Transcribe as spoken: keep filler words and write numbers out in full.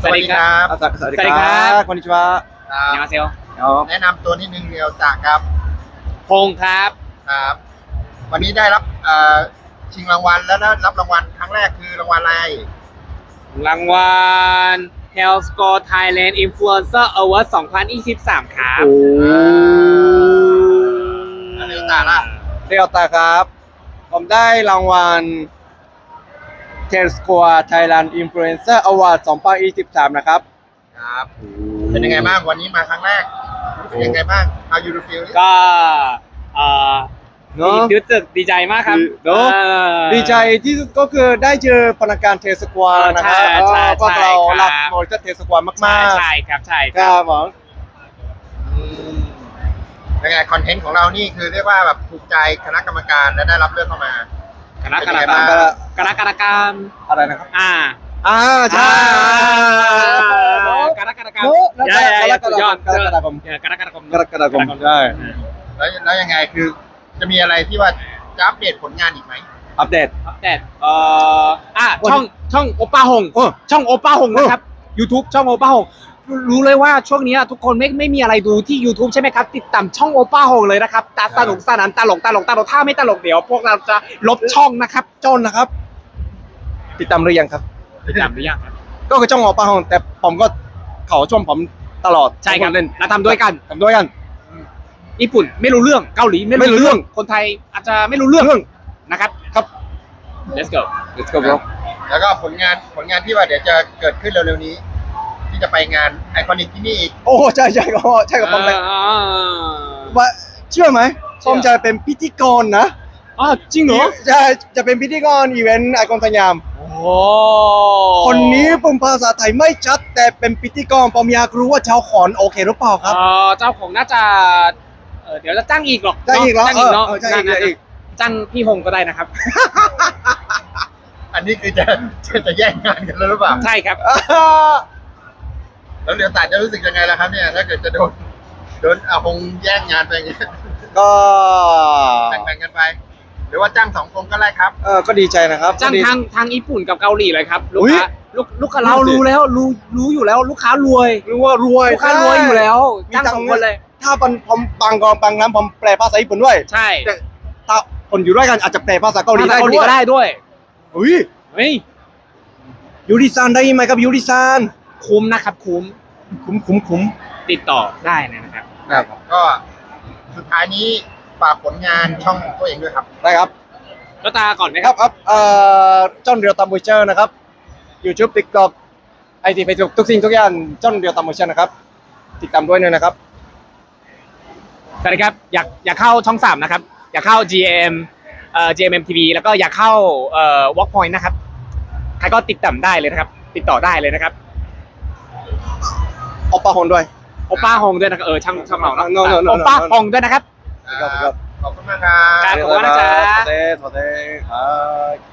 สวัสดีครับสวัสดีครับこんにちはครับ 안녕하세요 แนะนำตัวนิดนึงเรียวจากครับพงษ์ครับครับ วันนี้ได้รับเอ่อชิงรางวัลแล้วนะรับรางวัลครั้งแรกคือรางวัลอะไรรางวัล Health Score Thailand Influencer Award สองพันยี่สิบสามครับแล้วเรียวตาล่ะเรียวตาครับ ผมได้รางวัล Health Score Thailand Influencer Award สองพันยี่สิบสามนะครับครับ เป็นยังไงบ้างวันนี้มาครั้งแรกรู้สึกยังไงบ้าง How you feel ก็เอ่อเนอะรู้สึกดีใจมากครับเนอะเอ่อดีใจที่สุดก็คือได้เจอพนักงานเทสควานะครับใช่ใช่ก็เราใช่ครับรักบริษัทเทสความากใช่ๆใช่ครับใช่คครัรับบผมอืมยังไงคอนเทนต์ของเรานี่คือเรียกว่าแบบถูกใจคณะกรรมการและได้รับเลือกเข้ามาคณะกรรมเป็นกาไงรบ้างคณะกรรมการอะไรนะครับอ่าอ่าใช่คณะกรรมการเนอะใช่ใช่กรกฎาคมสุดยอดกรกฎาคมเออกรกฎาคมกรกฎาคมใช่แล้วแล้วยังไงคือจะมีอะไรที่ว่าจะอัปเดตผลงานอีกไหมอัปเดตอัปเดตเอ่ออ่ะช่องช่องโอป้าหงเออช่องโอป้าหงนะครับ YouTube ช่องโอป้าหงรู้เลยว่าช่วงนี้ทุกคนไม่ไม่มีอะไรดูที่ YouTube ใช่ไหมครับ ติดตามช่องโอป้าหงเลยนะครับตาสนุกสนานตลกตลกตลกถ้าไม่ตลกเดี๋ยวพวกเราจะลบช่องนะครับจนนะครับ ติดตามหรือยังครับติดตามหรือยังครับก็คือจ้องออกปาหงแต่ผมก็เขาชมผมตลอดใช่ครับเล่นเราทำด้วยกันทำด้วยกันญี่ปุ่นไม่รู้เรื่องเกาหลีไม่ไม่รู้รู้เรื่เรื่ออง งคนไทยอาจจะไม่รู้เรื่องเรื่องนะครับครับ let's go let's go bro แล้วก็ผลงานผลงานที่ว่าเดี๋ยวจะเกิดขึ้นเร็วๆนี้ ที่จะไปงานไอคอนิกที่นี่อีกโอ้ใช่ใช่ก็ใช่กับผมเลยอ่าว่าเชื่อไหมเชื่ผอมจะเป็นพิธีกรนะอ๋อจริงเหรอใช่จะเป็นพิธีกรอีเวนต์ไอคอนสยามโอ้คนนี้ผมภาษาไทยไม่ชัดแต่เป็นพิธีกรผมอยากรู้ว่าชาวขอนโอเคหรือเปล่าครับเอ่อเจ้าของน่าจะเอ่อเดี๋ยวจะจ้างอีกหรอกจ้างอีกเหรอจ้างอีกเนาะเออเออจ้างอีกนั่นๆจ้างอีกจ้างพี่หงก็ได้นะครับอันนี้คือจะจะจะแย่งงานกันแล้วหรือเปล่าใช่ครับแล้วเดี๋ยวตาจะรู้สึกยังไงล่ะครับเนี่ยถ้าเกิดจะโดนโดนอาหงแย่งงานไปอย่างเงี้ยก็แบ่งๆกันไป หรือว่าจ้างสองคนก็ได้ครับเออก็ดีใจนะครับจ้างก็ดีทางทางญี่ปุ่นกับเกาหลีเลยครับลูกอุ๊ยค้าลูกลูกค้าเราดูสิรู้แล้วรู้รู้อยู่แล้วลูกค้ารวยรู้ว่ารวยลูกค้ารวยอยู่แล้วมีจ้างตัสงองค์คนเลยถ้าผมผมบางกองบางน้ำผมแปลภาษาญี่ปุ่นด้วยใช่แต่ถ้าคนอยู่ด้วยกันอาจจะแปลภาษาเกาหลีได้เกาหลีด้วยก็ได้ด้วยอุ้ยเฮ้ยยูริซานได้ไหมครับยูริซานคุ้มนะครับคุ้มคุ้มคุ้มคุ้มติดต่อได้นะครับครับก็สุดท้ายนี้ฝากผลงานช่องของตัวเองด้วยครับได้ครับแล้วตาก่อนไหมนะคครัรับ บครับเอ่อจอนเรียวตามบูเชอร์นะครับ YouTube TikTok ไอทีเฟซบุ๊กทุกสิ่งทุกอย่างจอนเรียวตามบูเชอร์นะครับ ติดตามด้วยนะครับสวัสดีครับอยากอยากเข้าช่องสามนะครับ อยากเข้า จี เอ็ม เอ่อ จี เอ็ม เอ็ม ที วี แล้วก็อยากเข้าเอ่อ Workpoint นะครับใครก็ติดตามได้เลยนะครับ ติดต่อได้เลยนะครับโอปาฮอนด้วยโอป้าฮงด้วยนะครับเออช่างช่างเราเนาะ No, no, no, no, โอป้า no. ฮงด้วยนะครับครับขอบคุณมากครับครับ ขอบคุณนะจ๊ะสวัสดีสวัสดีครับ